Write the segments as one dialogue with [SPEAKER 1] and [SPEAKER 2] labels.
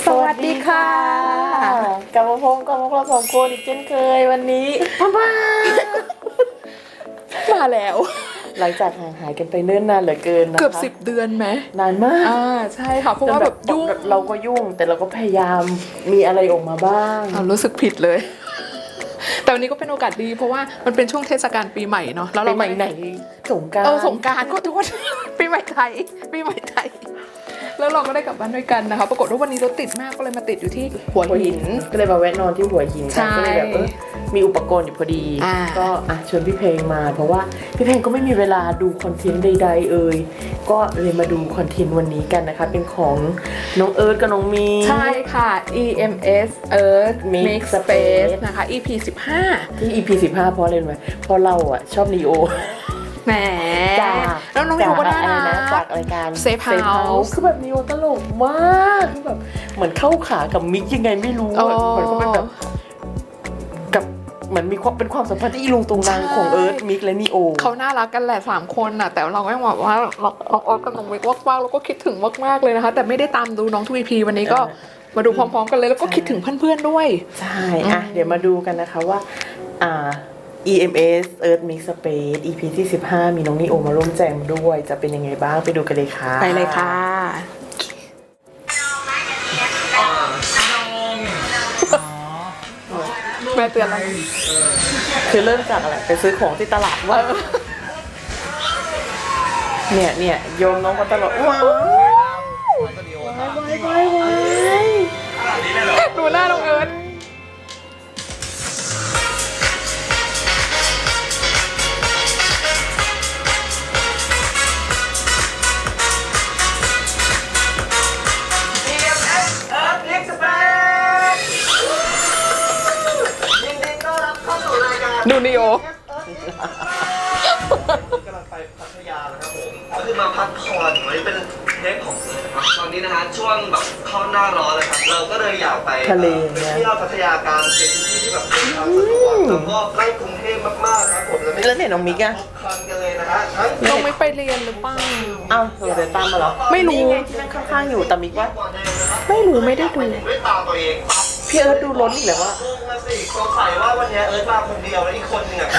[SPEAKER 1] สวัสดีค่ะกลับมาพบกับพวกเราสองคนอีกเช่นเคยวันนี้มาแล้วหลังจากห่างหายกันไปเนิ่นนานเหลือเกินนะคะ
[SPEAKER 2] เกือบ10 เดือนไหม
[SPEAKER 1] นานมาก
[SPEAKER 2] ใช่ค่ะเพราะว่าแบบยุ่ง
[SPEAKER 1] เราก็ยุ่งแต่เราก็พยายามมีอะไรออกมาบ้าง
[SPEAKER 2] รู้สึกผิดเลยแต่วันนี้ก็เป็นโอกาสดีเพราะว่ามันเป็นช่วงเทศกาลปีใหม่เนาะ
[SPEAKER 1] แล้วเราปีใหม่ไหนสงกรานต์
[SPEAKER 2] สงกรานต์ก็ทุกคนปีใหม่ไทยแล้วเราก็ได้กลับบ้านด้วยกันนะคะปรากฏว่าวันนี้รถติดมากก็เลยมาติดอยู่ที่หัวหิน
[SPEAKER 1] ก็เลยมาแวะนอนที่หัวหินกันก็เลยแบบมีอุปกรณ์อยู่พอดีก็ชวนพี่เพลงมาเพราะว่าพี่เพลงก็ไม่มีเวลาดูคอนเทนต์ใดๆก็เลยมาดูคอนเทนต์วันนี้กันนะคะเป็นของน้องเอิร์ธกับน้องมี
[SPEAKER 2] ใช่ค่ะ EMS Earth Mix Space นะคะ EP 15
[SPEAKER 1] ที่ EP 15เพราะอะไรรู้ไหมเพราะเราชอบนีโอ
[SPEAKER 2] แหมแล้วน้องนิวก็น่ารัก
[SPEAKER 1] จากรายการ
[SPEAKER 2] Safe House
[SPEAKER 1] คือแบบนิวตลกมากคือแบบเหมือนเข้าขากับมิกยังไงไม่รู้เหมือนเขาเป็นแบบกับเหมือนมีความเป็นความสัมพันธ์ที่อีลุงตุงนางของเอิร์ธมิกและนีโอ
[SPEAKER 2] เขาน่ารักกันแหละ3คนน่ะแต่เราก็ยังบอกว่าเราออฟกับน้องมิกมากๆแล้วก็คิดถึงมากๆเลยนะคะแต่ไม่ได้ตามดูน้องทูวีพีวันนี้ก็มาดูพร้อมๆกันเลยแล้วก็คิดถึงเพื่อนๆด้วย
[SPEAKER 1] ใช่เดี๋ยวมาดูกันนะคะว่าEMS Earth Mix Space EP ที่15มีน้องนีโอมาร่วมแจมด้วยจะเป็นยังไงบ้างไปดูกันเลยค่ะ
[SPEAKER 2] ไปเลยค่ะแม่เตือนแล้ว
[SPEAKER 1] คือเริ่มจากอะไรไปซื้อของที่ตลาดว่าเนี่ยโยมน้องก็ตลอดว้าว
[SPEAKER 2] ดูหน้าน้องเอิร์ธดูนิโอก
[SPEAKER 3] ำลังไปพัทยานะครับผมก็คือมาพักผ่อนวันนี้เป็นเทปของเลยนะครับตอนนี้นะฮะช่วงแบบเข้าหน้าร้อนเลยครับเราก็เลยอยากไป
[SPEAKER 1] ทะเล
[SPEAKER 3] เที่ยวพัทยาการเป็นที่ที่แบบเป็นทางสะดวกแล้วก็ใกล้กรุงเทพมากๆครับผม
[SPEAKER 1] แล้วเนี่ยน้องมิกอะ
[SPEAKER 3] คลันกันเลยนะฮะ
[SPEAKER 2] น้องไม่ไปเรียนหรือเปล่า
[SPEAKER 1] เดี๋ยวตามมาเหรอ
[SPEAKER 2] ไม่รู้
[SPEAKER 1] ที่นั่งข้างๆอยู่แต่มิกว่า
[SPEAKER 2] ไม่รู้ไม่ได้ดู
[SPEAKER 3] ด้วยตาตัวเอง
[SPEAKER 1] พี่เอิร์ธดูล้นอีกแล้วว่า
[SPEAKER 3] สงสัยว่าวันนี้เอิร์ธมาคนเดียวแล้วอีกคนหนึ่งอ่ะ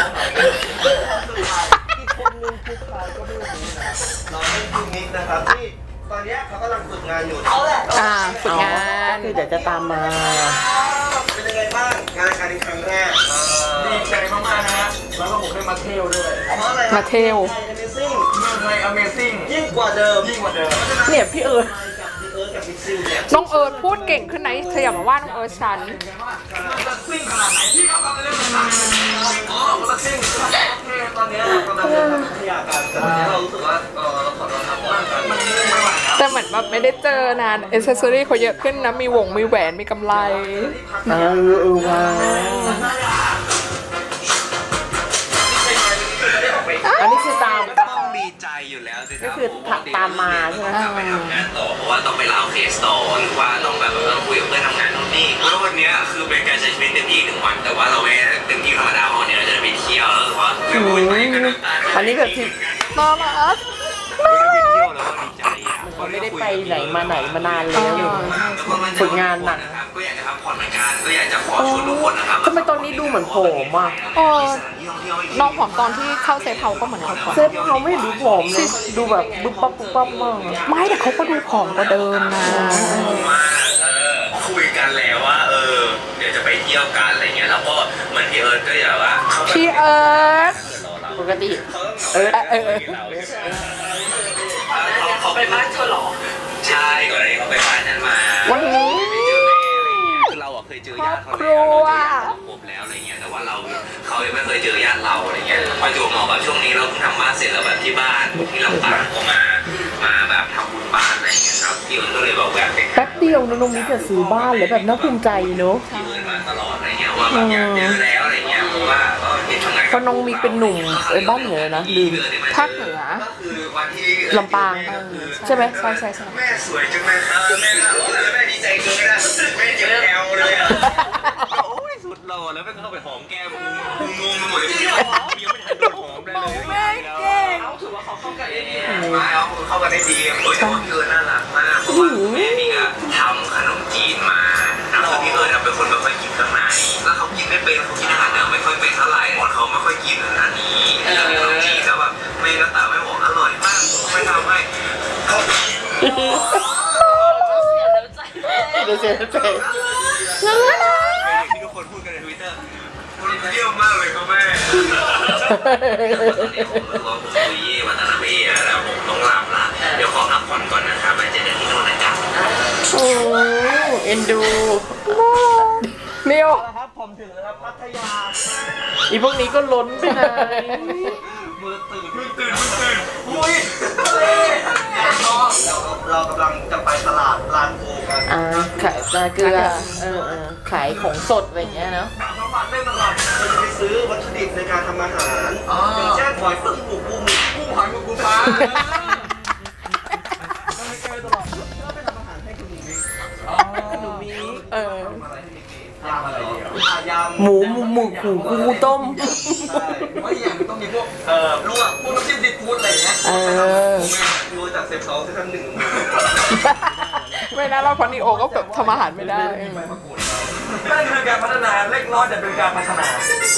[SPEAKER 3] อีกคนนึงคือใครก็ไม่รู้นะเราไม่คือมิกนะครับที่ตอนนี้เขากำลังฝึกงานอยู่
[SPEAKER 2] ฝึกงาน
[SPEAKER 1] คือเดี๋ยวจะตามมา
[SPEAKER 3] เป็นยังไงบ้างงานการครั้งแรก
[SPEAKER 4] ดีใจมากๆนะแล้วก็ผมได้มาเที่ยวด้วย
[SPEAKER 3] เพราะอะไร
[SPEAKER 2] มาเที่ยว
[SPEAKER 4] เมืองไทย Amazing
[SPEAKER 3] ยิ่งกว่าเดิม
[SPEAKER 1] เนี่ยพี่เอิร์ธ
[SPEAKER 2] น้องเอิร์ธพูดเก่งขึ้นไหนเธออย่ามาว่าน้องเอิร์ธฉัน
[SPEAKER 4] ซิ่งขนาดไหนที่เขาทำเรื่องต่างๆ
[SPEAKER 3] มันซิ่งตอนนี้เรากำลังเดินทางพัทยากันแต่ตอนนี้เรารู้สึกว่าเราขอเราทำบ้างกันมันไม่ไหวแล้ว
[SPEAKER 2] แต่เหมือนแบบไม่ได้เจอนานเอเซสซอรี่เขาเยอะขึ้นนะมีวงมีแหวนมีกำไร
[SPEAKER 1] ว้าวอันนี้คือตาม
[SPEAKER 4] ต้องดีใจอยู่แล้วสิ
[SPEAKER 1] ก็คือตามมาใช่ไหม
[SPEAKER 4] ไปทำงานต่อเพราะว่าต้องไปเล่าเคสต่อหรือว่าต้องแบบต้องคุยกับเพื่อนทำงานนู่นนี่แล้ววันนี้คือเป็นการใช้ชีวิตเต็มที่1 วันแต่ว่าเราไม่เต็มที่ธรรมดาวันนี้เราจะไปเที่ยวแล้วหรือว่า
[SPEAKER 1] อันนี้แบบที่
[SPEAKER 2] น่ารัก
[SPEAKER 4] ไปเที่ยวแล้วก็ดีใจ
[SPEAKER 1] มันไม่ได้ไปไหนมานานแล้วฝึกงานหนัก
[SPEAKER 4] ก็อยากจะพักผ่อนเหมือนกันก็อยากจะขอชวนทุกคนนะครับ
[SPEAKER 1] ทำไมตอนนี้ดูเหมือนผอมอ่ะ
[SPEAKER 2] น้องผอมตอนที่เข้าเซฟเฮาก็เหมือนเขาผอม
[SPEAKER 1] เซฟเฮาไม่ดูผอมเลยดูแบบบึ๊บปั๊บมาก
[SPEAKER 2] ไม่แต่เขาก็ดูผอมกว่าเดิมนะ
[SPEAKER 4] คุยกันแล้วว่าเดี๋ยวจะไปเที่ยวกันอะไรเงี้ยแล้วก็เหมือนพี่เอิร์ธก็อย่างว่า
[SPEAKER 2] พี่เอิร์ธ
[SPEAKER 1] ปกติ
[SPEAKER 4] เขาไปบ้านเธอหรอใช่ก่อนหน้านี้เขาไปบ้านนั้นมา
[SPEAKER 1] วันนี้
[SPEAKER 4] คือเราเคยเจอญาติเขาแล้วครบแล้วอะไรเงี้ยแต่ว่าเขายังไม่เคยเจอญาติเราอะไรเงี้ยประจวบเหมาะกับช่วงนี้เราเพิ่งทำบ้านเสร็จแล้วแบบที่บ้านที่ลำปางก็มาแบบทำบุญบ้านอะไรเงี้ยครับพี่เอิญก็เลยบอกแบบ
[SPEAKER 1] แป๊บเดียวน้องมิกจะซื้อบ้านเลยแบบน่าภูมิใจเนอะ
[SPEAKER 4] พี่เอิญมาตลอดอะไรเงี้ยว่าแบบอยากเจอแล้วอะไรเงี้ยเพราะว่าก็เห็นทำงาน
[SPEAKER 1] เพราะน้องมิกเป็นหนุ่มบ้านเหนือนะลืม
[SPEAKER 2] ภาคเหนือ
[SPEAKER 1] ลำปางใช่ไหมใช่
[SPEAKER 4] แม่สวยจังเลยครับแม่แม่ดีใจเกินนะแม่เจ็บแอวเลยอ่ะโอ้ยสุดหล่อแล้วแม่เข้าไปหอมแก้มงงไปหมดเลยยังไม่ทันโดนหอมได้เลย
[SPEAKER 2] แม่เก่ง
[SPEAKER 4] ถือว่าเขาเข้ากันได้ดีเข้ากันได้ดีโอ้ยแต่ว่าพี่เอิญน่ารักมากแม่นี่ก็ทำขนมจีนไม่เป็นเขากินอาหารเหนือไม่ค่อยเป็นเท่าไหร่หมดเขาไม่ค่อยกินอันนี้จีแล้วแบบแม่ก็ตามไม่บอกอร่อยมากไม่ทำให้เขา
[SPEAKER 1] เดี๋ยวเสียใจ
[SPEAKER 4] ที่ทุกคนพูดกันใน Twitter มันเยี่ยมมากเลยครับแม่ตอนนี้ผมรู้ว่าผมคุยวัฒนเวทแล้วผมต้องลาบละเดี๋ยวขอพักผ่อนก่อนนะครับไปเจอกันที่โน่นนะจ๊ะ
[SPEAKER 1] โอ้เอ็นดู
[SPEAKER 2] เร็ว
[SPEAKER 3] ครับผมถึงแล้วครับพัทยา
[SPEAKER 1] อีพวกนี้ก็ล้นไปไหน
[SPEAKER 3] มือตื่นอุ้ยเรากำลังจะไปตลาดลานโพกัน
[SPEAKER 1] ขายปลาเกลือขายของสดอะไรอย่างเงี้ยเนาะ
[SPEAKER 3] สามวันได้ตลอดเราจะไปซื้อวัตถุดิบในการทำอาหารอย่างเช่นหอยปึ้งหมูปูหมูกุ้งหอยหมูปูปลาก็ไม่เจอตลอดก็ไปทำอาหารให้คุณหนูมิก
[SPEAKER 1] หนูมี
[SPEAKER 3] ทำอะไรให้มิกยำอะไรยำ
[SPEAKER 1] หมูกูต้ม
[SPEAKER 3] ใช่เพราะอย่างต้องมีพวกลวกพวกน้ำจิ้มซีฟู้ดอะไรอย่างเงี้ยรู้จากเซฟเซาซีซั่นหนึ่ง
[SPEAKER 2] ไม่น่ารอดเพราะนีโอก็แบบทำอาหารไม่ได้
[SPEAKER 3] นั่นคือการพัฒนาเล็กน้อยแต่เป็นการพัฒนา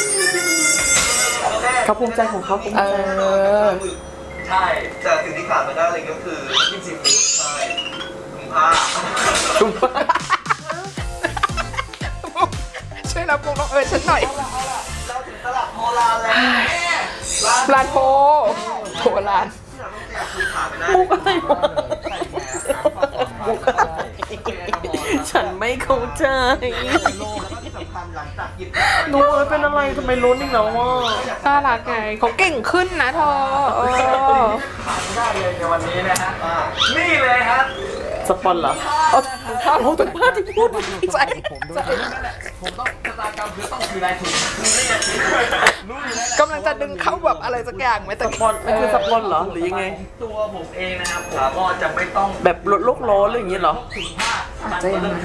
[SPEAKER 1] เขาภูมิใจของเขาภูมิใจ
[SPEAKER 3] ใช่แต่สิ่งที่ขาดไม่ได้เลยก็คือน้ำจิ้มซีฟู้ดใช่ถุงผ้า
[SPEAKER 2] ช่วยรับมุกน้องฉันหน่อย
[SPEAKER 3] เราถึงตลาดโพลานแล้ว
[SPEAKER 2] ร้านโพร้าน
[SPEAKER 3] คือขาดไม่ได้
[SPEAKER 1] มุกอะไรวะมุกอะไรฉันไม่เข้าใจ
[SPEAKER 3] โลแล้วก็ที่สำคัญหลังจากหยิบ
[SPEAKER 1] หนูเป็นอะไรทำไมล้นอีกแล้วอ่ะ
[SPEAKER 2] น่ารักไงเขาเก่งขึ้นนะเธอ
[SPEAKER 3] ขาดไม่ได้เลยในวันนี้นะฮะนี่เลยฮะ
[SPEAKER 1] สปอนเหรอข้าวเราเป็นผ้าที่พูดใจ
[SPEAKER 3] ผมต้องชะตากรรมคือต้องคือนายทุนนี่ไง
[SPEAKER 2] กำลังจะดึงเข้าแบบอะไรสักอย่างไหมแต่
[SPEAKER 1] สปอนมันคือสปอนเหรอหรือยังไง
[SPEAKER 3] ตัวผมเองนะครับผมก็จะไม่ต้อง
[SPEAKER 1] แบบลดโลกร้อนหรืออย่างงี้เหรอ
[SPEAKER 3] ถึงผ้า
[SPEAKER 2] อาจจะอย่างนั้น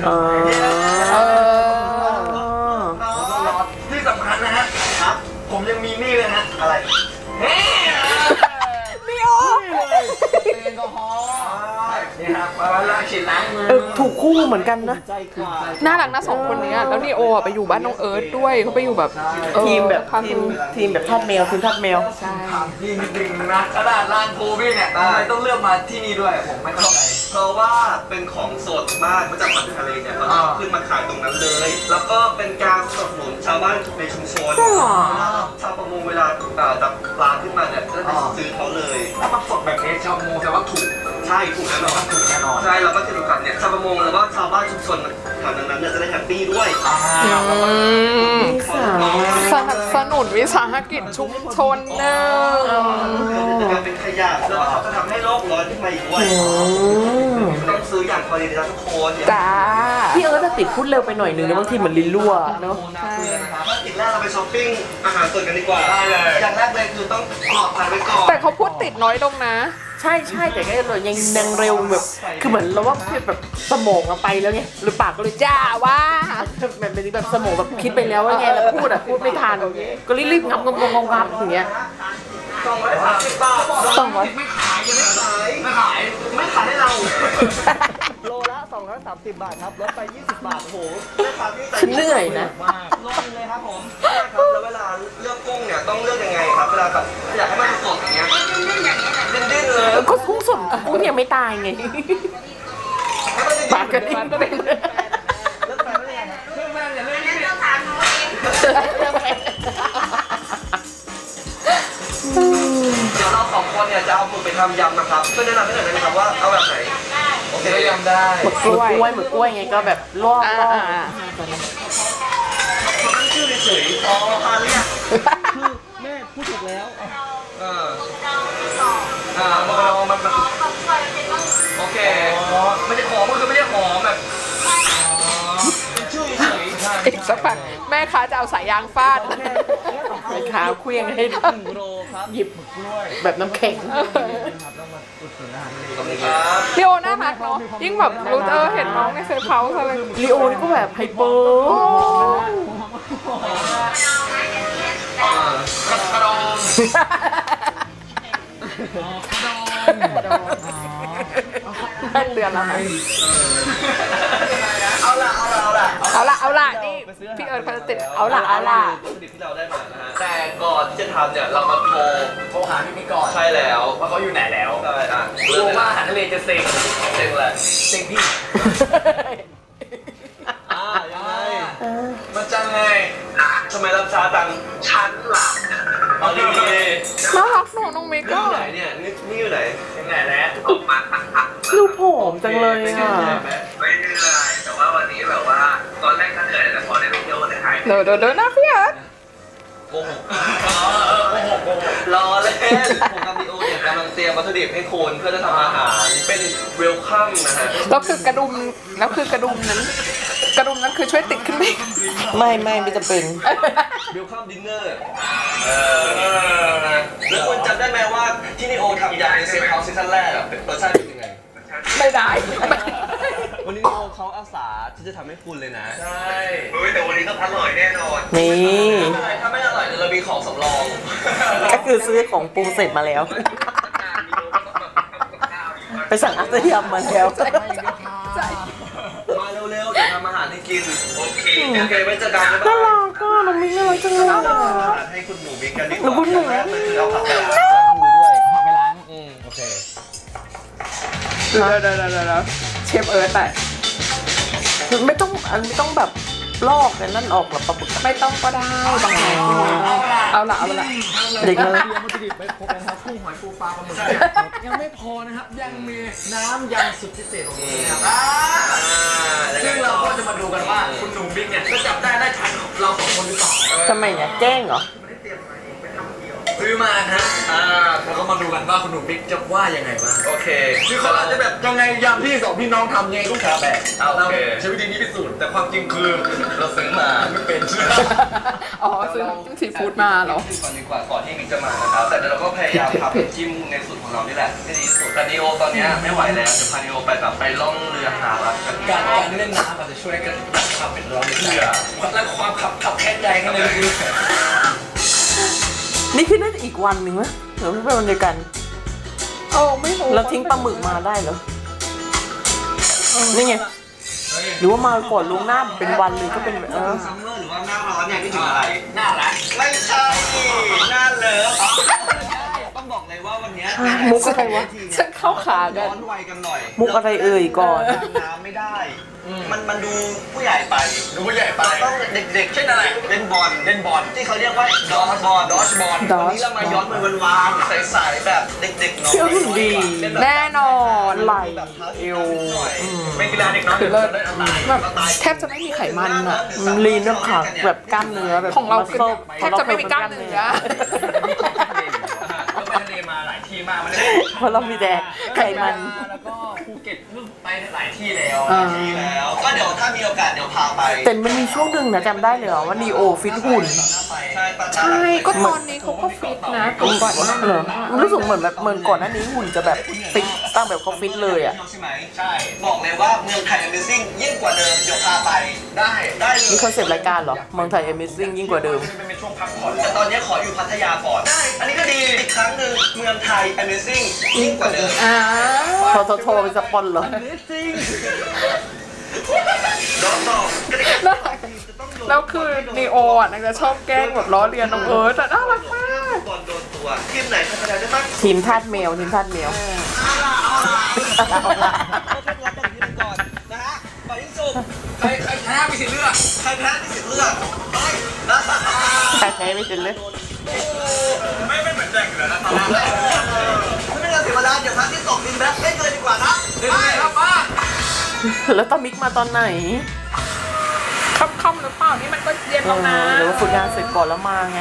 [SPEAKER 3] ที่สำคัญนะฮะครับผมยังมีนี่เลยฮะอะไรเฮ้ย
[SPEAKER 2] นี่โอ
[SPEAKER 3] แอลกอฮอล์นี่ครับมาล้างฉีดล้างมือ
[SPEAKER 1] ถูกคู่เหมือนกันนะ
[SPEAKER 3] ใจกว่า
[SPEAKER 2] น่ารักนะสองคนนี้แล้วนีโอไปอยู่บ้านน้องเอิร์ธด้วยเขาไปอยู่แบบ
[SPEAKER 1] ทีมแบบ
[SPEAKER 2] พา
[SPEAKER 1] ทีมแบบทาสแมวทีมทาสแมว
[SPEAKER 2] ใช่
[SPEAKER 3] ถามจริงๆนะขนาดร้านโคบี้เนี่ยทำไมต้องเลือกมาที่นี่ด้วยผมไม่เข้าใจเพราะว่าเป็นของสดมากมาจากฝั่งทะเลเนี่ยมันเอาขึ้นมาขายตรงนั้นเลย แล้วก็เป็นการสนับสนุนชาวบ้านในชุมชนชาวประมงเวลาจับปลาขึ้นมาเนี่ยจะไปซื้อเขาเลยถ้ามันสดแบบนี้ชาวประมงแต่ว่าถูกใช่ถูกแน่นอนถูกแน่นอนใช่แล้วก็ที่สำคัญเนี่ยชาวประมงแล้วก็ชาวบ้านชุมชนแถวนั้นเนี่ยจะได้แฮปปี้ด้วย
[SPEAKER 2] สนับสนุนวิสาหกิจชุมชนเนอะ
[SPEAKER 3] จะกลายเป็นขยะแล้วก็เขาจะทำให้โลกร้อนขึ้นมาอีกด้วยต้องซื้ออย่างพอดีนะทุกคน
[SPEAKER 2] จ้า
[SPEAKER 1] พี่เอิร์ธจะติดพูดเร็วไปหน่อยนึงนะบางทีเหมือนลิ้นรั่วเนาะ
[SPEAKER 3] ภารกิจแรกเราไปช้อปปิ้งอาหารสดกันดีกว่าได้เลยอย่างแรกเลยคือต้องปลอดภัยไว้ก่อน
[SPEAKER 2] แต่เขาพูดติดน้อยลงนะ
[SPEAKER 1] ใช่แต่ก็เลยยังเร็วแบบคือเหมือนเราว่าแบบสมองเราไปแล้วไงหรือปากก็เลยจ้าว่าแบบเป็นแบบสมองแบบคิดไปแล้วว่าไงแล้วพูดไม่ทันก็รีบงับอย่างเงี้ย
[SPEAKER 3] 230 บาทไม่ขายยังไม่ขายให้เราโลละ230 บาทครับลดไป20 บาทโอ้โหแม่ค้าที่ใจ
[SPEAKER 1] ฉันเหนื่อยนะ
[SPEAKER 3] มากลดเลยครับผมครับแล้วเวลาเลือกกุ้งเนี่ยต้องเลือกยังไงครับเวลาแบบอยากให้มันสดอย่างเงี้ยดิ้นๆเลย
[SPEAKER 1] ก็กุ้งสดกุ้งยังไม่ตายไงปากกระดิ่ง
[SPEAKER 3] เลือกไปไม่ได้ไงเลือกไปอย่าเลือกนี่เลือกทานเดี๋ยวเราสองคนเนี่ยจะเอาหมึกไปทำยำนะครับช่วยแนะนำให้หน่อยได้ไหมครับว่าเอาแบบไหนโอเคยำได้
[SPEAKER 1] หมึกกล้วยไงก็แบบลอก
[SPEAKER 3] ตั้งชื่อเฉยๆอ๋อพาเรียกคือแม่พูดถูกแล้วมันโอเคไม่ได้หอมก็คือไม่ได้หอมแบบเป็นชื่อเฉยๆ
[SPEAKER 2] อีกสักพักแม่ค้าจะเอาสายยางฟาด
[SPEAKER 1] ไอ้ขาเคลี้ยงให้
[SPEAKER 3] 1 โลครับ
[SPEAKER 1] หยิบแบบน้ำแข็ง
[SPEAKER 2] พี่โอน่ารักเนาะยิ่งแบบรู้เห็นน้องในเซฟเฮาส์อะไร
[SPEAKER 1] ลีโอนี่ก็แบบไฮเปอร์
[SPEAKER 3] กระดอง
[SPEAKER 2] เป็นเดือนแล้วนะ
[SPEAKER 3] เอาละ
[SPEAKER 2] นี่
[SPEAKER 3] ไปซื้อ
[SPEAKER 2] พี่เอิร์ธเขาจะติด
[SPEAKER 3] แล้ว
[SPEAKER 2] เอาละ
[SPEAKER 3] วัตถุดิบที่เราได้มานะฮะแต่ก่อนที่จะทำเนี่ยเรามาโทรหาพี่มิกก่อนใช่แล้วว่าเขาอยู่ไหนแล้วใช่อ่ะกลัวว่าอาหารทะเลจะเซ็งอะไรเซ็งพี่ยังไงมันจังไงทำไมรับช้าจังฉันหลับเอาดี
[SPEAKER 2] น่ารักหนูน้องมิก
[SPEAKER 3] ๆ
[SPEAKER 2] ก็
[SPEAKER 3] อยู่ไหนเนี่ยนี่อยู่ไหนยังไงแล้วออกมา
[SPEAKER 1] ดูผอมจังเลยค่ะ
[SPEAKER 3] ไม่เหนื่อยแต่ว่าวันนี้แบบว่าตอนแรกก็เหนื่อยแต่พอได้ไปเที่ยวในไทย
[SPEAKER 2] เดี๋ยวนะพี่เอิร์ธ
[SPEAKER 3] โกหกรอเล่นผมกับลีโอเนี่ยกำลังเตรียมวัตถุดิบให้คุณเพื่อจะทำอาหารเป็นเวลคัมนะฮะ
[SPEAKER 2] แล้วคือกระดุมนั้นคือช่วยติดขึ้นไหม
[SPEAKER 1] ไม่จะเป็น
[SPEAKER 3] เวลคัมดินเนอร์แล้วคุณจำได้ไหมว่าที่ลีโอทำยาในเซฟเฮาส์ซีซั่นแรกอะเป็นรสชาติเป็นยังไง
[SPEAKER 2] ไม่ได้
[SPEAKER 3] วันนี้ลีโอเขาอาสาที่จะทำให้คุณเลยนะใช่แต่วันนี้ต้องอร่อยแน่นอน
[SPEAKER 1] นี่
[SPEAKER 3] ถ้าไม่อร่อยเดี๋ยวเรามีของสำรอง
[SPEAKER 1] ก็คือซื้อของปรุงเสร็จมาแล้ว ไปสั่งอาหารยำมาแล้ว
[SPEAKER 3] มาเร็วๆเดี๋ยวทำอาหารให้กินโอเคไว้เจอกัน
[SPEAKER 1] น่ารักก็น้องมิ้งน่ารักจังเลยอะ
[SPEAKER 3] ให้คุณหนูมิกกันดีก
[SPEAKER 1] แล้ว
[SPEAKER 3] ว่า
[SPEAKER 1] คุณหนู
[SPEAKER 3] แรกเลยคือเอาผักไปล้างมือด้วยผักไปล้างโอเค
[SPEAKER 2] เดี๋ยวเชฟเอิร์ธแต่
[SPEAKER 1] ไม่ต้องแบบลอกกันนั่นออกหรอปะปุ๊บ
[SPEAKER 2] ไม่ต้องก็ได้บางทีเอาละ
[SPEAKER 1] เด็กมา
[SPEAKER 5] เตรียมวัตถุดิบไปครบแล้วครับกุ้งหอยปูปลาปลาหมึกยังไม่พอนะครับ ยังมีน้ำยำสุดพิเศษของผมนะครับซึ่งเราก็จะมาดูกันว่าคุณหนุ่มบิ๊กเนี่ยจะจับได้ทันเราสองคนหรือเปล่า
[SPEAKER 1] ทำไมเนี่ยแกล้งเหรอ
[SPEAKER 5] ซื้อมาฮะแล้วก็มาดูกันว่าคุณหนุ่มบิ๊กจะว่ายังไงบ้าง
[SPEAKER 3] โอเค
[SPEAKER 5] คือเขาอาจจะแบบยังไงยำที่สองพี่น้องทำยังไงก็ขาแบก
[SPEAKER 3] โอเค
[SPEAKER 5] ใช้วิธีนี้พิสูจน์แต่ความจริงคือ
[SPEAKER 3] เราซื้อมา
[SPEAKER 5] ไม่เป็น
[SPEAKER 2] อ๋อซื้อซีฟู้ดมาเหรอ
[SPEAKER 3] ก่อนดีกว่าก่อนที่มิกจะมานะครับแต่เดี๋ยวเราก็พยายามทำจิ้มในสูตรของเรานี่แหละให้ดีที่สุดแต่นีโอตอนนี้ไม่ไหวแล้วเดี๋ยวพานีโอไปแบบไปล่องเรือหารักกัน
[SPEAKER 5] การเล่นน้ำอาจจะช่วยกันดับความเป็นร้อนในใจและความขับแค้นใจข้างในลึก
[SPEAKER 1] นี่คือน่าจะอีกวันหนึ่งไหมหรือไม่เป็นวันเดียวกัน
[SPEAKER 2] โอ้ไม่รู้
[SPEAKER 1] เราทิ้งปลาหมึกมาได้เหรอนี่ไงหรือว่ามาก่อนล่วงหน้าเป็นวันเลยก็เป็น
[SPEAKER 3] ซัมเมอร์หรือว่าหน้าร้อนเนี่ยที่ถึงอะไร
[SPEAKER 5] น่ารัก
[SPEAKER 3] ไม่ใช่หน้าเลิฟต้องบอกเลยว่าวันนี้
[SPEAKER 1] มุกอะไรวะ
[SPEAKER 2] ฉันเข้าขากั
[SPEAKER 3] ย้
[SPEAKER 2] น
[SPEAKER 3] อนวัยกันหน่อย
[SPEAKER 1] มุกอะไรเอ่ยก่อน
[SPEAKER 3] น้ำไม่ได้ มันดูผู้ใหญ่ไป
[SPEAKER 5] ดูผู้ใหญ่ไป
[SPEAKER 3] เราต้องเด็กๆเช่นอะไรเล่นบอลที่เขาเรียกว่าดอชบอล วันนี้เรามาย้อนวัยวานๆใสๆแบบเด็กๆน้อย
[SPEAKER 1] เชื่อหุ่นดี
[SPEAKER 2] แน่นอน
[SPEAKER 1] ไหลเอว
[SPEAKER 3] เป็นกีฬาเด็กน้อย
[SPEAKER 2] คือเลิศแบบแทบจะไม่มีไขมันอ่ะ
[SPEAKER 1] ลีนด้วยค่ะแบบกล้ามเนื้อแบบ
[SPEAKER 2] ของเราคือ
[SPEAKER 1] muscle
[SPEAKER 2] แทบจะไม่มีกล้ามเนื้อ
[SPEAKER 5] ก็ไปทะเลมาหลายที่มากมันได้
[SPEAKER 1] เพราะเรามีแต่ไขมัน
[SPEAKER 5] แล้วก็ภูเก็ตไปหลายที่แล้ว
[SPEAKER 3] ดีแล้วก็เดี๋ยวถ้ามีโอกาสเดี๋ยวพาไป
[SPEAKER 1] แต่มันมีช่วงหนึ่งนะจำได้เลยเหรอว่านีโอฟิตหุ่น
[SPEAKER 2] ใช่ก็ตอนนี้เขาก็ฟิตนะก่อนหน้า
[SPEAKER 1] เหร
[SPEAKER 2] นี้
[SPEAKER 1] อรู้สึกเหมือนแบบเหมือนก่อนหน้านี้หุ่นจะแบบฟิตตั้งแบบเขาฟิตเลยอ่ะ
[SPEAKER 3] ใช่ไหม
[SPEAKER 5] ใช่
[SPEAKER 3] บอกเลยว่าเมืองไทย Amazing ยิ่งกว่าเดิมเดี๋ยวพาไปได้เลย
[SPEAKER 1] นี่คอนเซปต์รายการเหรอเมืองไทย Amazing ยิ่งกว่าเดิม
[SPEAKER 5] เป็นช่วงพักผ่อน
[SPEAKER 3] แต่ตอนนี้ขออยู่พัทยาก่อนได้อันนี้ก็ดีอีกครั้งหนึ่งเมืองไทย Amazing ยิ่งกว่าเดิม
[SPEAKER 2] อ่า
[SPEAKER 1] โทรเป็นสปอนเหรอ
[SPEAKER 3] ดอกต่อ
[SPEAKER 2] แล้วคือนีโออ่ะนางจะชอบแกล้งแบบล้อเลียนน้องเอิร์ธแต่น่ารักมาก
[SPEAKER 3] บอลโดนตัวทีมไหนพัฒนาได้บ้าง
[SPEAKER 1] ทีมทาสแมวทีมทาสแมว
[SPEAKER 3] ก่อนนะฮะไปที่สุด
[SPEAKER 5] ใครชนะมีสิทธิ์เลือก
[SPEAKER 3] ใครแพ้ที่สิทธิ์เลือกไปนะ
[SPEAKER 1] ใครแพ้ไม่เป็นเลย
[SPEAKER 5] ไม่เหมือนแจกอยู่แล้วนะ
[SPEAKER 3] ไม่เป็นการเสียเวลาเดี๋ยวพักที่2ดินแบ็คได้เลยดีกว่านะ
[SPEAKER 5] เดี๋ยวครับป้า
[SPEAKER 1] แล้วตามิกมาตอนไหน
[SPEAKER 2] ค่ำๆหรือเปล่านี่มันก็เย็นแล้วนะ
[SPEAKER 1] หรือว่าฝึกงานเสร็จก่อนแล้วมาไง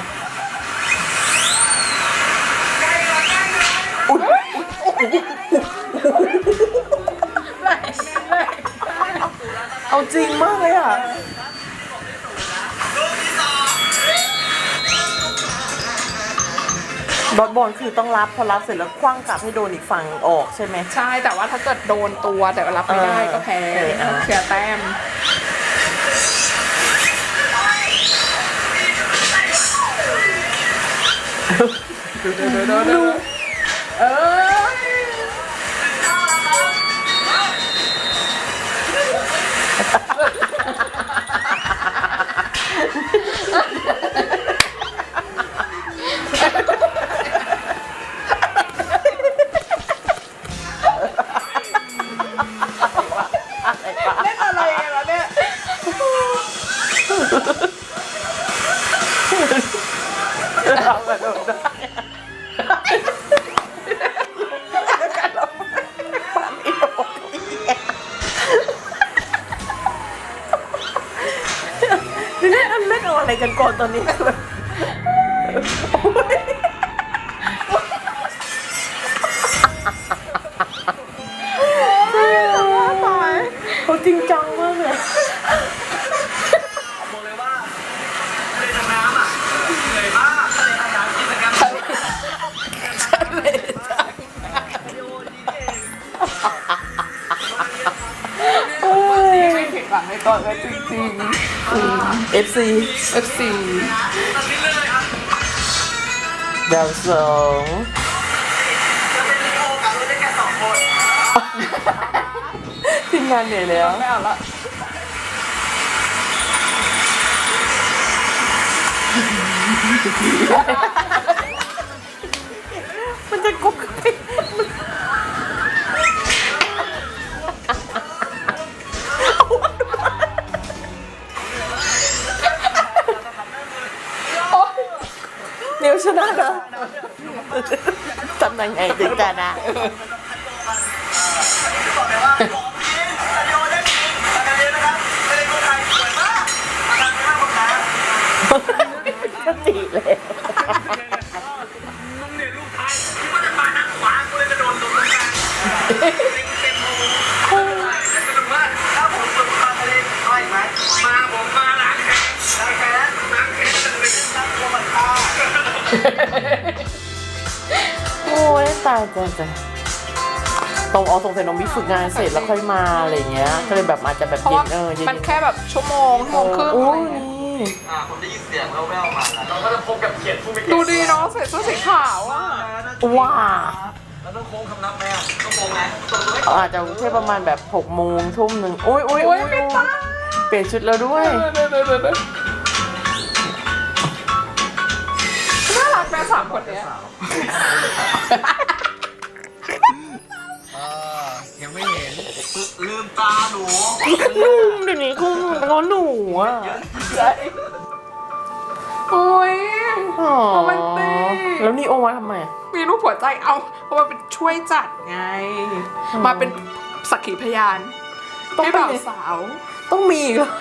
[SPEAKER 1] อุ๊ยเอาจริงมากเลยอ่ะบอลคือต้องรับพอรับเสร็จแล้วคว้างกลับให้โดนอีกฝั่งออกใช่ไหม
[SPEAKER 2] ใช่แต่ว่าถ้าเกิดโดนตัวแต่ว่ารับไม่ได้ก็แพ้เสียแต้มดูเออ
[SPEAKER 1] อะไรกันก่อนตอนนี้คือแบบโอ๊ยเขาจริงจังมากเลย
[SPEAKER 3] บอกเลยว่าทะเลทางน้ำอ่ะเหนื่อยมากทะเลทางน้ำกิจกรรมวิดีโอดีเอง
[SPEAKER 2] ไม่ผิดหวังในตอนนั้นจริง
[SPEAKER 1] FC
[SPEAKER 2] ๆ FC
[SPEAKER 3] ตัดลิ้นเลยอ่ะ
[SPEAKER 1] ดาวสอง
[SPEAKER 3] จะเป็นวิดีโอกับเราได้แค่2 คน
[SPEAKER 1] ทีมงานเหนื่อยแล้ว
[SPEAKER 2] ไม่เอาละ
[SPEAKER 1] มันจะกบกันไปเดี๋ยวชนะนะทำยังไงถึงจะนะ
[SPEAKER 3] บอกเลยว่าของจริงสตูดิโอได้จริงทางนี้นะครับทะเลคนไทยสวยมากทางนี้มากกว่าน้ำ
[SPEAKER 1] ก็ตีเลย
[SPEAKER 3] มึงเนี่ยลูกไทยคิดว่าจะมาทางขวากูเลยกระโดดลงตรงกลางเต็มมือแต่สนุกมากถ้าผมฝึกมาทะเลมาอีกไหมมาผมมาล้างแค้นจะเป็นนักโรมันฆ่า
[SPEAKER 1] โอ้ยตายตรงสงสัยน้องบิ๊กฝึกงานเสร็จแล้วค่อยมาอะไรเงี้ยก็เลยแบบอาจจะแบบ
[SPEAKER 2] เพราะ
[SPEAKER 1] เย็
[SPEAKER 2] ว่าน
[SPEAKER 1] เย็น
[SPEAKER 2] มันแค่แบบชั่วโมงครึ่ง
[SPEAKER 1] โอ้
[SPEAKER 2] อะไร
[SPEAKER 1] ย
[SPEAKER 2] อย่างเงี้ย
[SPEAKER 1] นี่
[SPEAKER 3] ผมได้ยินเสียงแว่วๆมาเราก็จะพบกับเขียนผู้ไม่เก่ง
[SPEAKER 2] ดูดีเนาะใส่เสื้อสีขาวอ่ะ
[SPEAKER 1] ว้า
[SPEAKER 3] แล้วต้องโค้งคำนับไหมอ่ะต้องโค้งไหมต้องโค้งไหม
[SPEAKER 1] อาจจะแค่ประมาณแบบ6 โมงทุ่มหนึ่งโอ้ย
[SPEAKER 2] โอ้ยไม่ตาย
[SPEAKER 1] เปลี่ยนชุดแล้วด้วย
[SPEAKER 2] น่ารักแม่สามคนเนี้ย
[SPEAKER 5] ยังไม่เห็น
[SPEAKER 3] ลืมตาหนู
[SPEAKER 1] เดี๋ยวนี้คุณเขาหนูอ่ะ
[SPEAKER 2] โอ้ย
[SPEAKER 1] อ๋อ
[SPEAKER 2] โรแมนติก
[SPEAKER 1] แล้วนี่โอมาทำไม
[SPEAKER 2] มีรูปหัวใจเอาเพราะมันเป็นช่วยจัดไง มาเป็นสักขีพยาน
[SPEAKER 1] ต้อง
[SPEAKER 2] ให้
[SPEAKER 1] เป็น
[SPEAKER 2] บ่าวสาว
[SPEAKER 1] ต้องมีอีกเหรอ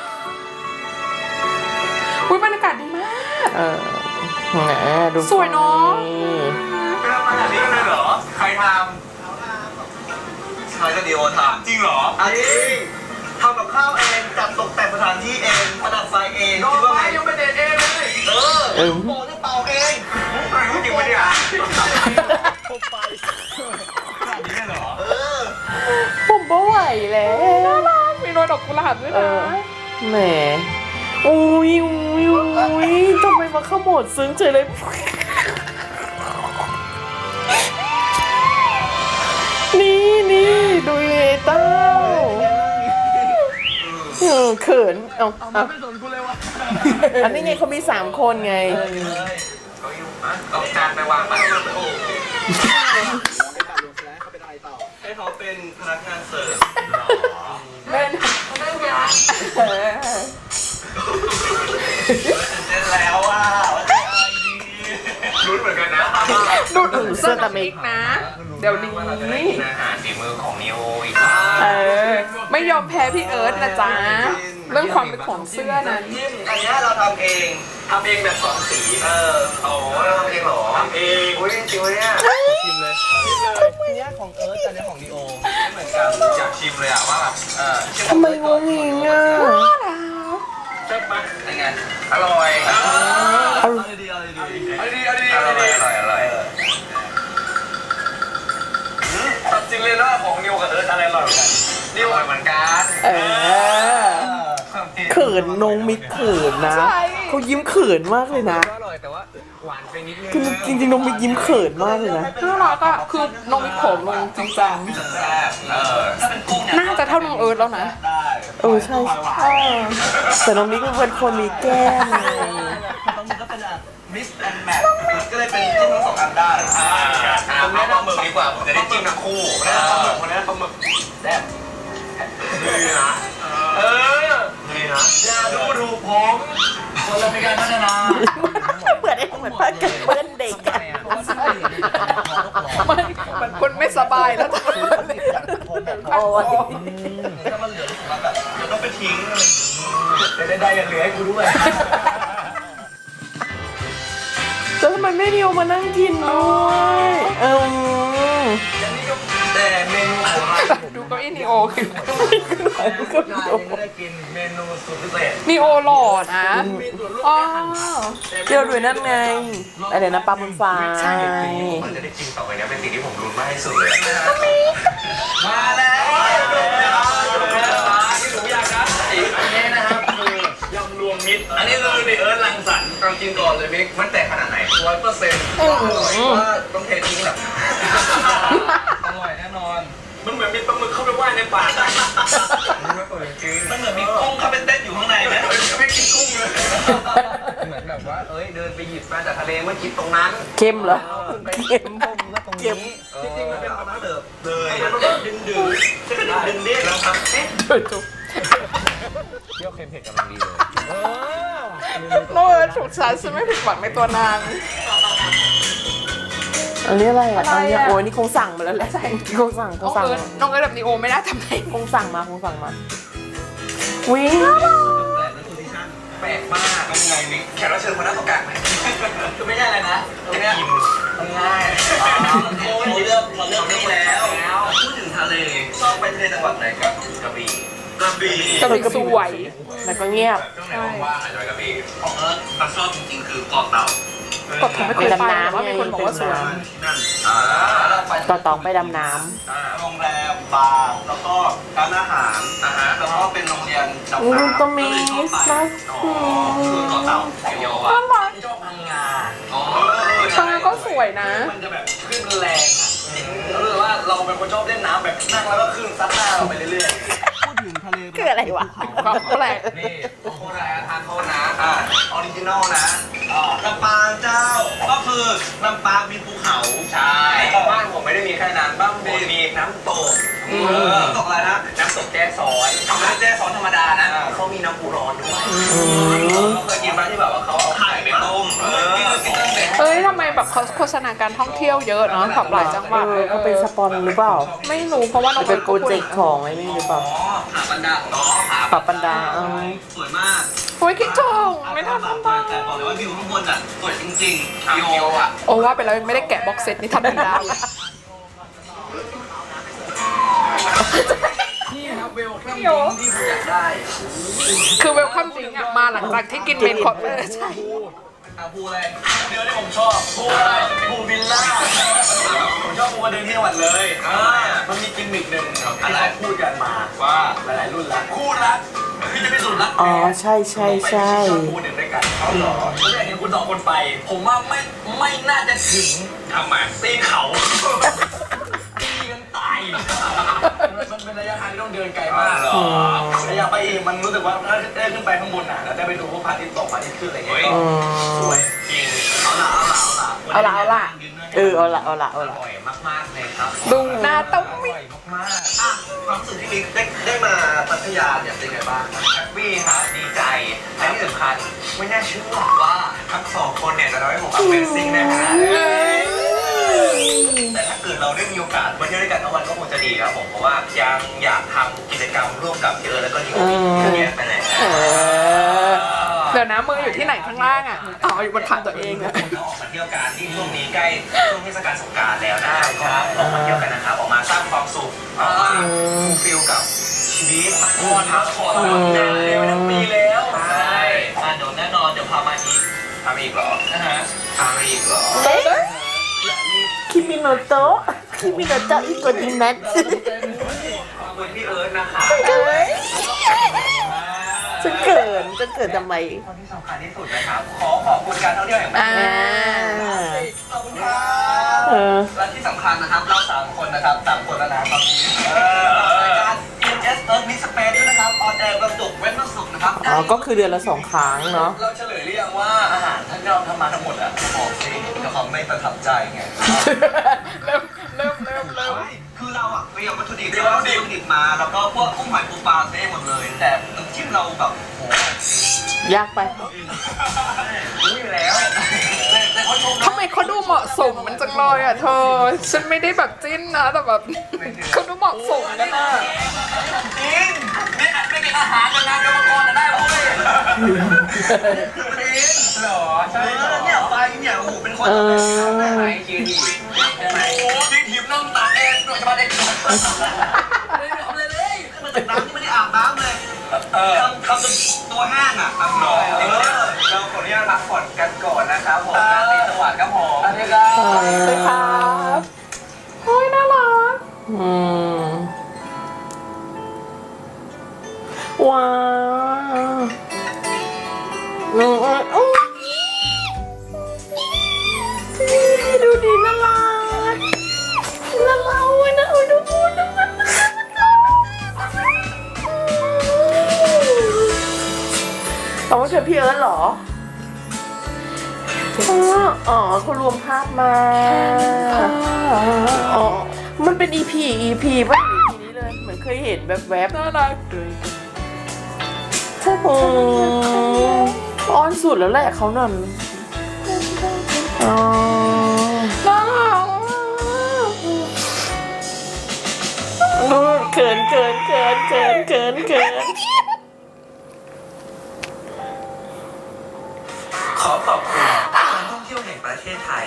[SPEAKER 2] อุ้ยบรรยากาศดีมาก
[SPEAKER 1] แหมดู
[SPEAKER 2] สวยเนอะ
[SPEAKER 3] เป็นอะไรแบบนี้เลยเหรอ ใครทำใครก็ดีโอทำจริงเหรอจริงทำกับข้าวเองจัดตกแต่งสถานที่เองประดับไฟเองคิดว่าไงยังไม่เด็ดเองเลยโบจะเป่าเองจริงปะเนี่ยผมไปขนาดนี้เลยเหรอ
[SPEAKER 1] ผมบ่ไหวแล้ว
[SPEAKER 2] มีโรยดอกกุหลาบด้วยนะ
[SPEAKER 1] แหมอุ้ยทำไมมาขโมดซึ้งเฉยเลย นี่ดูเลยเต้าเขินเอา
[SPEAKER 3] ไม่สนกูเลยวะ
[SPEAKER 1] อันนี้ไงเขามี3 คนไง
[SPEAKER 3] เอาจานไปวางไปโอ้ให้เขาเป็นพนักงานเสิร์ฟ
[SPEAKER 2] เป็นเรื่องงาน
[SPEAKER 3] เล่นแล้วอ่ะว่าจะอะไรดีลุ้นเหมือนกันนะ
[SPEAKER 2] ดูดเสื้อตะเมกนะ เดี๋ยวนี้
[SPEAKER 4] อาหารฝีมือของนิโออีก
[SPEAKER 2] ไม่ยอมแพ้พี่เอิร์ธนะจ๊ะ เรื่องความเป็นของเสื้อนั้น
[SPEAKER 3] จิ้มอันนี้เราทำเองแบบ2 สีโอ้เราทำเองเหรอทำเองอุ้ยจริงๆเนี่ยชิมเลยอันนี้ของเอิร์ธอันนี้ของดีโอไม่เหมือนกันอยากชิมเลยอ่ะว่าแบบ
[SPEAKER 1] ทำไมงงงิงอ่ะ
[SPEAKER 3] ใช่ปะยังไงอร่อยดีอร่อยตัดจริงเลยนะของนิวกับเอิร์ธอะไรอร่อยเหมือนกันนิวอร่อยเหมือนกัน
[SPEAKER 1] เขินนงมิกเขินนะ
[SPEAKER 2] ใช่
[SPEAKER 1] เขายิ้มเขินมากเลยนะ
[SPEAKER 3] อร่อยแต่ว่าหวานไปนิดนึง
[SPEAKER 1] คือจริงๆนงมิกยิ้มเขินมากเลยนะ
[SPEAKER 2] น่ารักอะคือน้องมิโขมลงจริงจัง
[SPEAKER 3] แซ่บถ้าเป็นกุ้งเนี่ย
[SPEAKER 2] น่าจะเท่าน้องเอิร์ธแล้วนะ
[SPEAKER 3] ได้
[SPEAKER 1] ใช่แต่น้องมิกเป็นคนมีแก้มไง
[SPEAKER 3] บางทีก็เป็นมิสแอนด์แมทก็เลยเป็นจิ้มทั้ง2 อันได้ผมแนะนำหมึกดีกว่าผมจะได้จิ้มทั้งคู่ปลาหมึกคนนี้ปลาหมึกแซ่บดีนะดีนะอย่าดูถูกผมคนเราเป็นการพัฒนา
[SPEAKER 1] เหมือนผ้ากันเปื้อนเด็กอะ
[SPEAKER 2] มันคนไม่สบายแล้วตอนนี้
[SPEAKER 1] โอ้ย
[SPEAKER 3] ถ้ามันเหลือรู้สึกว่าแบบเดี๋ยวต้องไปทิ้งอะไรอย่างงี้ได้อย่าเหลือให้กูด้วย
[SPEAKER 1] แล้วทำไมไม่นิวมานั่งกินด้วย
[SPEAKER 3] แต่เมนูของร้านผม
[SPEAKER 2] ดูเก้าอี้นีโอคือ
[SPEAKER 3] ก็ไม่ได้กินเมนูสุดพิเศษ
[SPEAKER 2] นีโอหล่อนะ
[SPEAKER 3] มีส่วนร่วม
[SPEAKER 2] อ๋อ
[SPEAKER 1] เที่ยวด้วยนั่นไงอะไรนะปลาบนฟ้า
[SPEAKER 2] ใช่
[SPEAKER 4] มันจะได้กินต่อไปเนี้เป็นสิ่งที่ผมรุนมากที่สุดเลย
[SPEAKER 3] มาแล้วที่หนูอยากได้อันนี้นะครับคือยำรวมมิตรอันนี้คือในเอิร์ธรังสรรค์เรากินก่อนเลยมิก
[SPEAKER 4] มันแต่ขนาดไหน
[SPEAKER 3] 100%ว่าต้องเททิ้งแบบอร่อยแน่นอน มันเหมือนมีปลาหมึกเข้าไปว่ายในปากไม่เปิดจริง
[SPEAKER 4] มันเหมือนมีกุ้งเข้าไปเต้นอยู่ข้างในไหม
[SPEAKER 3] ไม่กินกุ้งเลย
[SPEAKER 4] เหมือนแบบว่าเดินไปหยิบมาจากทะเลเมื่อกี้ตรงนั้น
[SPEAKER 1] เค็มเหรอ
[SPEAKER 3] เค็มพงมาตรงนี้จริงๆมันเป็นน้ำเสิร์ฟเลยมันแบบดึงดึงจะกระดึงเรียกแล้วครับเอ๊ะ
[SPEAKER 4] เที่ยวเค็มเผ็ดกำลังดีเลย
[SPEAKER 2] โน้ตถูกใจฉันไม่ผิดหวังในตัวนาง
[SPEAKER 1] อันนี้อะไรอ่ะ
[SPEAKER 2] อะไรอ่ะ
[SPEAKER 1] โอ้ยนี่คงสั่งมาแล้วแหละคงสั่ง
[SPEAKER 2] น้องเอิร์ธแบบนีโอไม่ได้ทำไง
[SPEAKER 1] คงสั่งมาวิ่ง
[SPEAKER 3] แปลกมาก
[SPEAKER 4] เป็นไงมิกแขกรับเชิญคนนั้นต้องการไหม
[SPEAKER 3] คือไม่ใช่อะไรนะตรงเนี้ย
[SPEAKER 4] กิน
[SPEAKER 3] ง่ายเราเลือกนี่แล้ว
[SPEAKER 4] พูดถึงทะเลชอบไปทะเลจังหวัดไหนกับกระบี่กระบี่
[SPEAKER 2] ก็เลยสวย
[SPEAKER 1] แล้วก็เงียบ
[SPEAKER 4] ช่วงไหนว่างๆอาจจะไปกระบี่ของเอิร์ธเราชอบจริงๆคือเกาะเต่า
[SPEAKER 2] กดทำไม่เคยไปแต่ว่ามีคนบอกว่าสวย
[SPEAKER 4] ที่นั่น
[SPEAKER 3] เราไป
[SPEAKER 1] ต่อตองไปดำน้
[SPEAKER 3] โรงแรมบาร์แล้วก็ร้านอาหารแล้วก็เป็นโรงเรียน
[SPEAKER 1] ำ
[SPEAKER 3] ดำ
[SPEAKER 1] อู้
[SPEAKER 3] น้ำ
[SPEAKER 1] ก็มีนะ
[SPEAKER 4] คือเกาะเต่าไอโย
[SPEAKER 2] น่า
[SPEAKER 4] อ่ะ
[SPEAKER 2] รัก
[SPEAKER 3] ชอบพังงา
[SPEAKER 4] อ๋อ
[SPEAKER 2] ทางก็สวยนะ
[SPEAKER 3] มันจะแบบขึ้นแรงอ่ะรู้สึกว่าเราเป็นคนชอบเล่นน้ำแบบนั่งแล้วก็ขึ้นซัดหน้าเราไปเรื่อยๆพูดถึงทะเล
[SPEAKER 1] คืออะไรวะ
[SPEAKER 2] ความแปลก
[SPEAKER 3] นี่โคตรทานโทษนะออริจินอลนะลำปางเจ้า ก็คือลำปางมีภูเขา
[SPEAKER 4] ใช่
[SPEAKER 3] บ้านผมไม่ได้มีแค่นั้นบ้านผมมีน้ำตกน้ำตกอะไรนะ
[SPEAKER 4] น้ำตกแจ้ซ้อยไม่ใช่แจ้ซ้อนธรรมดานะเขามีน้ำปูร้อนด้วยเคยกินบ้านที่แบบว่าเขาเอาไข่ไปต้มกินตั้งแต่
[SPEAKER 2] เอ้ยทำไมแบบเขาโฆษณาการท่องเที่ยวเยอะเนาะแบบหลายจังหวัด
[SPEAKER 1] เขาเป็นสปอนหรือเปล่า
[SPEAKER 2] ไม่รู้เพราะว่าน้อง
[SPEAKER 1] จะเป็นโปรเจกต์ของไอ้นี่หรือเปล่า
[SPEAKER 3] ผาบันดาอ๋อ
[SPEAKER 1] ปรับปันดา
[SPEAKER 3] สวยมาก
[SPEAKER 2] โอ้ยคิดถึงไม่ทัน
[SPEAKER 3] แต่
[SPEAKER 2] บ้าง
[SPEAKER 3] บอกเลยว่าวิวข้างบนอ่ะสวยจริงๆวิวอ่ะ
[SPEAKER 2] โอ้ว่าไปแล้วไม่ได้แกะบ็อกเซตนี่ทำเป็นดาวเลย
[SPEAKER 3] นี่ครับเวลคัมดิ้งที่ผมอยากได้
[SPEAKER 2] คือเวลคัมดริงก์อะมาหลังจากที่กินเมนคอร์สเลยใช่
[SPEAKER 3] ภูอะไรเดี๋ยวที่ผมชอบภูอะไรภูวิลล่าผมชอบภูกระดึงที่จังหวัดเลยมันมีกิมมิคหนึ่งที่เขาพูดกันมาว่าหลายๆรุ่นละคู่รักพี่จะพิสูจน์รัก
[SPEAKER 1] อ๋อใช่ชอบ
[SPEAKER 3] คู่หนึ่งด้วยกันเขาหรอผมอยากเห็นคุณสองคนไป ผมว่าไม่น่าจะถึง
[SPEAKER 4] ทำไม
[SPEAKER 3] ตีนเขาตีกันตายมันเป็นระยะทางที่ต้องเดินไกลมากระยะไปเองมันรู้สึกว่าถ้าได้ขึ้นไปข้างบนน่ะแล้วได้ไปดูพวกพระอาทิตย์ตกพระอาทิตย์ขึ้นอะไรเงี้ยสวย
[SPEAKER 4] จริง
[SPEAKER 3] เอาละ
[SPEAKER 1] เอาละเอาละเอาละ
[SPEAKER 4] อร่อยมากๆเลยครับ
[SPEAKER 2] ดูหน้าต้อง
[SPEAKER 3] อ
[SPEAKER 2] มิ
[SPEAKER 3] ร่อยมากๆความรู้สึกที่มิกได้มาพัทยาเนี่ยเป็นไงบ้าง
[SPEAKER 4] แฮปปี้ฮะดีใจและที่สำคัญไม่น่าเชื่อว่าทั้งสองคนเนี่ยจะทำให้ผม Amazing นะฮะแต่ถ้าเกิดเราได้มีโอกาสมาเที่ยวด้วยกันทั้งวันก็คงจะดีครับผมเพราะว่ายังอยากทำกิจกรรมร่วมกับเยอะแล้วก็นิวเยอะแยะไปเลย
[SPEAKER 2] เดี๋ยวนะมืออยู่ที่ไหนข้างล่างอะอ๋ออยู่บนขาตัวเองอะ
[SPEAKER 4] เราออกมาเที่ยวกันที่ช่วงนี้ใกล้ช่วงเทศกาลสงกรานต์แล้วนะครับก็ออกมาเที่ยวกันนะครับออกมาสร้างความสุขออกมาฟิลกับชีวิตพักผ่อนนานเลยทั้งปีแล้วใช่เดี๋ยวแน่นอนเดี๋ยวพามาอีกพามาอีกเหรอพามาอีกเหรอ
[SPEAKER 1] คิมิโนโตะอีกคนนึงนั้น
[SPEAKER 4] ขอบคุณพี่เอิร์ธนะคะ
[SPEAKER 1] ฉันเกินทำไม
[SPEAKER 4] คนที่สำคัญที่สุดนะครับขอบคุณการท่องเที่ยวแห่งประเทศไทยขอบคุณครับและที่สำคัญนะครับเรา3คนนะครับ3คนแล้วนะตอนนี้รายการ ES Earth Mix Space ด้วยนะครับออนแอร์วันศุกร์เว้นวันศุกร์นะครับ
[SPEAKER 1] อ๋อก็คือเดือนละ2 ครั้งเนาะ
[SPEAKER 3] เราเฉลยหรือยังว่าอาหารที่เราทำมาทั้งหมดอะบอกสิกับความไม่ประทับใจไง
[SPEAKER 2] เริ่ม
[SPEAKER 3] คือเราอะเตรียมวัตถุดิบมาแล้วก็พวกกุ้งหอยปูปลาเต้หมดเลย แต่น้ำจิ้มเราแบบโห
[SPEAKER 1] ยากไป
[SPEAKER 3] รู้อยู่แล้วแต่เขาชม
[SPEAKER 2] ทำไมเขาดูเหมาะสมมันจังเลยอ่ะเธอ ฉันไม่ได้แบบจิ้นนะแต่แบบเขาดูเหมาะสมกันนะ
[SPEAKER 3] จริงไม่กินอาหารกันนะกรรมกรจะได้เว้ยจริง
[SPEAKER 5] หรอใช่เหรอ
[SPEAKER 3] เนี่ยไปเนี่ยโอ้โหเป็นคน
[SPEAKER 5] ไหนยืนดีใช่ไหม
[SPEAKER 3] โอ้ยทีมนั่งตากแอร์หน่อยจะมาเด็กไม่ได้ทำอะไรเลยมาจากน้ำที่ไม่ได้อาบน้ำเลยทำจนตัวแห้งอ่ะหน่อยเราขออนุญาตพักผ่อนกันก่อนนะครับผมราตรีสวัสดิ์ครับผมสวัสดีครับ
[SPEAKER 2] สวัสดีครับโอ้ยน่ารัก
[SPEAKER 1] ว้าวดูดีน่ารักน่ารักเว้ยนะดูเอาว่าเธอพี่เอิร์ธเหรออ๋อเขารวมภาพมาอ๋อมันเป็น EP ป่ะ EP นี้เลยเหมือนเคยเห็นแบบแวบ
[SPEAKER 2] น่ารัก
[SPEAKER 1] อ้อนสุดแล้วแหละเขานั่นอ๋อ
[SPEAKER 2] น่ารัก
[SPEAKER 1] เขิน
[SPEAKER 3] ขอขอบคุณการท่องเที่ยวแห่งประเทศไทย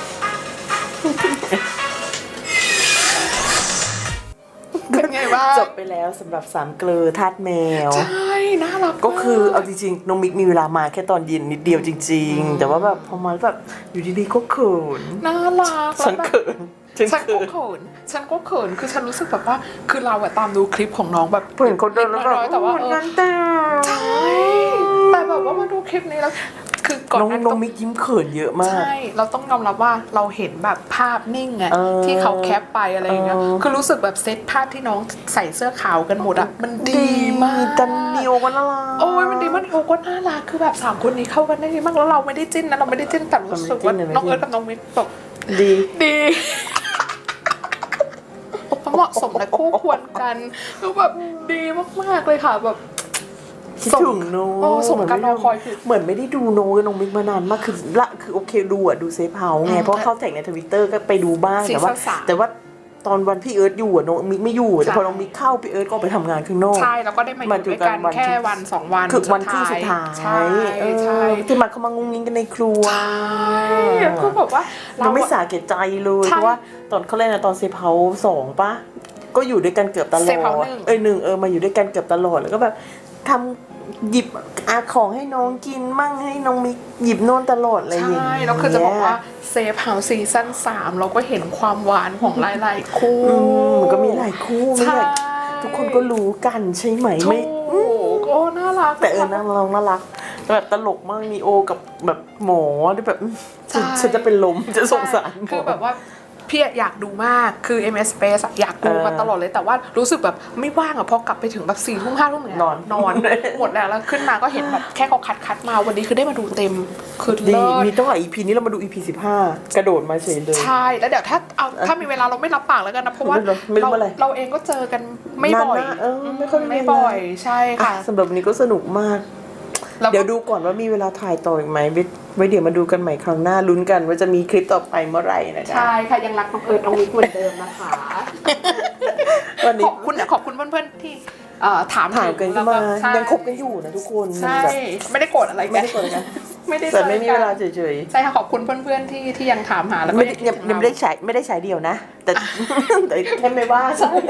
[SPEAKER 2] เป็นไงบ้าง
[SPEAKER 1] จบไปแล้วสำหรับสามเกลือทาสแมว
[SPEAKER 2] ใช่น่ารัก
[SPEAKER 1] ก็คือเอาจริงๆน้องมิกมีเวลามาแค่ตอนเย็นนิดเดียวจริงๆ แต่ว่าแบบพอมาแบบอยู่ดีๆก็เขิน
[SPEAKER 2] น่ารัก
[SPEAKER 1] ฉันเขิน
[SPEAKER 2] ฉันก็เขินคือฉันรู้สึกแบบว่าคือเราอะตามดูคลิปของน้องแบบ
[SPEAKER 1] เห็นเขาเดินแล้วแบบ
[SPEAKER 2] แต่ว่า
[SPEAKER 1] เหมือนกันแต่
[SPEAKER 2] ใช่แต่แบบว่ามาดูคลิปนี้แล้วคือก่อน
[SPEAKER 1] น้อง
[SPEAKER 2] หนั้น
[SPEAKER 1] น้องมิกยิ้มเขินเยอะมาก
[SPEAKER 2] ใช่เราต้องยอมรับว่าเราเห็นแบบภาพนิ่งอะ
[SPEAKER 1] เออ
[SPEAKER 2] ที่เขาแคปไปอะไรอย่างเงี้ยคือรู้สึกแบบเซตภาพที่น้องใส่เสื้อขาวกันหมดอะมันดีมาก
[SPEAKER 1] จันเนียวกันละล่ะ
[SPEAKER 2] โอ้ยมันดีมากโอ้ก็น่ารักคือแบบ3คนนี้เข้ากันได้ดีมากแล้วเราไม่ได้จิ้นนะเราไม่ได้จิ้นแต่รู้สึกว่าน้องเอิร์ธกับน้องมิกแบบ
[SPEAKER 1] ดี
[SPEAKER 2] ดีเหมาะสมและคู่ควรกันแล้วแบบดีมากๆเลยค่ะแบบ
[SPEAKER 1] คิดถึงโน้
[SPEAKER 2] โอ้สมการรอคอยคือ
[SPEAKER 1] เหมือนไม่ได้ดูโน้กับน้องมิกมานานมากคือโอเคดูเซฟเฮาส์ไงเพราะเข้าแท็กในทวิตเตอร์ก็ไปดูบ้างแต่ว่าตอนวันพี่เอิร์ธอยู่อะน้องมิกไม่อยู่แต่พอน้องมิกเข้าพี่เอิร์ธก็ไปทำงานข้างนอก
[SPEAKER 2] ใช่แล้วก็ได้มาอยู่ด้วยกันแค่วัน2 วัน
[SPEAKER 1] คือวันที่สุดท้าย
[SPEAKER 2] ใช่ใช่
[SPEAKER 1] ที่มาเขามางุ้งงิ้งกันในครัว
[SPEAKER 2] ใช่คือแบบว่า
[SPEAKER 1] เราไม่สาแก่ใจเลยเพราะว่าตอนเขาเล่นนะตอนเซฟเฮาส์2ป่ะก็อยู่ด้วยกันเกือบตลอด
[SPEAKER 2] เซฟเฮาส์1
[SPEAKER 1] หนึ่งมาอยู่ด้วยกันเกือบตลอดแล้วก็แบบทำหยิบของให้น้องกินมั่งให้น้องมิกหยิบโน่นตลอดอะไรอย่างเงี้ย
[SPEAKER 2] ใช่แล้วคือจะบอกว่าเซฟเฮาส์ซีซั่น3เราก็เห็นความหวานของหลายๆคู่
[SPEAKER 1] มันก็มีหลายคู่ไม่
[SPEAKER 2] ใช่
[SPEAKER 1] ใช่ทุกคนก็รู้กันใช่ไหมไม่
[SPEAKER 2] ถูกโอ้น่ารัก
[SPEAKER 1] แต่น่ารักแบบตลกมากมีโอกับแบบหมอที่แบบ
[SPEAKER 2] ใช่
[SPEAKER 1] ฉันจะเป็นลมจะสงสารหม
[SPEAKER 2] คือแบบว่าพี่อยากดูมากคือ MS Space อยากดูมาตลอดเลยแต่ว่ารู้สึกแบบไม่ว่างพอกลับไปถึงแบบ4 ทุ่ม 5 ทุ่มเนี่ย
[SPEAKER 1] นอน
[SPEAKER 2] หมดแล้วขึ้นมาก็เห็นแบบแค่เขาคัดมาวันนี้คือได้มาดูเต็มคือ
[SPEAKER 1] ดี
[SPEAKER 2] เลิศ
[SPEAKER 1] มีตั้งหลาย EP นี้เรามาดู EP 15 กระโดดมาเฉยเลย
[SPEAKER 2] ใช่แล้วเดี๋ยวถ้ามีเวลาเราไม่รับปากแล้วกันนะเพราะว่า
[SPEAKER 1] ไม่รู้อะไร
[SPEAKER 2] เราเองก็เจอกันไม่บ่อย
[SPEAKER 1] นานมากไม่ค่อยมีเวลา
[SPEAKER 2] ไม่บ่อยใช่ค่ะ
[SPEAKER 1] สำหรับวันนี้ก็สนุกมาก
[SPEAKER 2] แล้วก็
[SPEAKER 1] เดี๋ยวดูก่อนว่ามีเวลาถ่ายต่ออีกไหมไว้เดี๋ยวมาดูกันใหม่ครั้งหน้าลุ้นกันว่าจะมีคลิปต่อไปเมื่อไหร่นะคะ
[SPEAKER 2] ใช่ค่ะยังรักน้องเอิร์ธน้องมิกเหมือนเดิมนะคะ
[SPEAKER 1] วันนี้
[SPEAKER 2] ขอบคุณเพื่อนๆที่ถาม
[SPEAKER 1] ถ่ายกันขึ้นมา
[SPEAKER 2] ใช่
[SPEAKER 1] ยังคบกันอยู่นะทุกคน
[SPEAKER 2] ใช่
[SPEAKER 1] แบบ
[SPEAKER 2] ไม่ได้โกรธอะไร
[SPEAKER 1] ไม่ได้กดกัน
[SPEAKER 2] ไม่ได้
[SPEAKER 1] แต่ไม่มีเวลา
[SPEAKER 2] จอกัน
[SPEAKER 1] เฉย
[SPEAKER 2] ใช่ค่ะขอบคุณเพื่อนๆที่ยังถามหาแล้ว
[SPEAKER 1] ๆ
[SPEAKER 2] ก็
[SPEAKER 1] ยังไม่ได้ใช้เดียวนะ แต่ แต่แค่ไม่ว่าใช่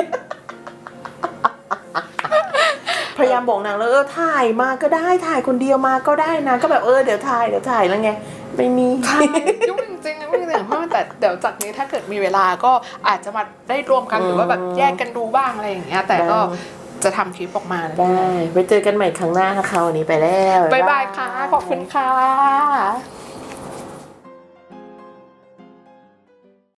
[SPEAKER 1] พยายามบอกนางแล้วถ่ายมาก็ได้ถ่ายคนเดียวมาก็ได้นะก็แบบเดี๋ยวถ่ายแล้วไงไม่มี
[SPEAKER 2] ใช่ยุ่งจริงๆนะไม่จริงๆเพราะแต่เดี๋ยวจากนี้ถ้าเกิดมีเวลาก็อาจจะมาได้รวมกันหรือว่าแบบแยกกันดูบ้างอะไรอย่างเงี้ยแต่ก็จะทำคลิปออกมานะ
[SPEAKER 1] ได้ไว้เจอกันใหม่ครั้งหน้านะคะวันนี้ไปแล้ว
[SPEAKER 2] บ๊ายบายค่ะขอบคุณค่ะ